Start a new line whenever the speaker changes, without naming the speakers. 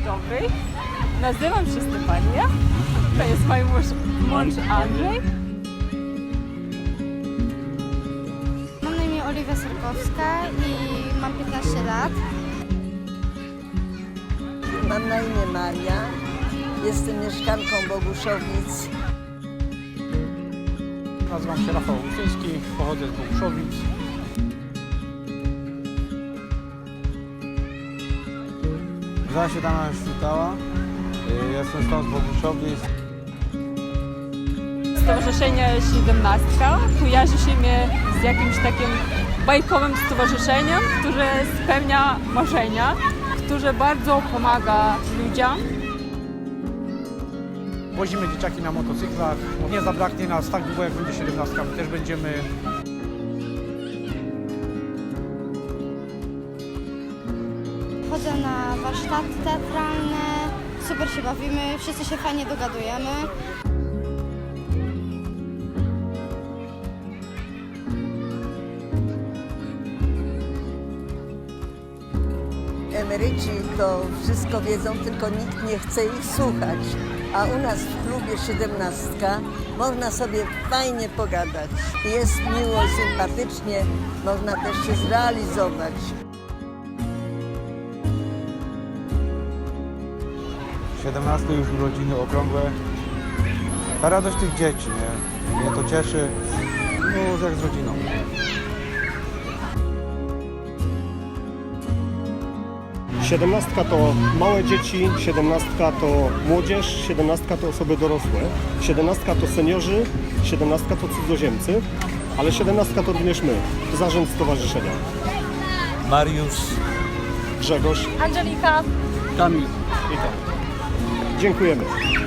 dobry. Nazywam się Stefania. To jest mój mąż Andrzej.
Mam na imię Oliwia Sorkowska i mam 15 lat.
Mam na imię Maria. Jestem mieszkanką Boguszowic.
Nazywam się Rafał Łuczyński, pochodzę z Boguszowic.
Nazywam się Dana Świtała, jestem stąd z Boguszowic.
Stowarzyszenie 17 kojarzy się mi z jakimś takim bajkowym stowarzyszeniem, które spełnia marzenia, które bardzo pomaga ludziom.
Wozimy dzieciaki na motocyklach. Nie zabraknie nas tak długo, jak będzie 17. My też będziemy.
Chodzę na warsztaty teatralne, super się bawimy, wszyscy się fajnie dogadujemy.
Emeryci to wszystko wiedzą, tylko nikt nie chce ich słuchać. A u nas w klubie 17 można sobie fajnie pogadać. Jest miło, sympatycznie, można też się zrealizować.
W 17 już urodziny okrągłe. Ta radość tych dzieci, nie? Mnie to cieszy, no jak z rodziną.
17 to małe dzieci, 17 to młodzież, 17 to osoby dorosłe, 17 to seniorzy, 17 to cudzoziemcy, ale 17 to również my, zarząd stowarzyszenia.
Mariusz,
Grzegorz,
Angelika.
Kamil i tak. Dziękujemy.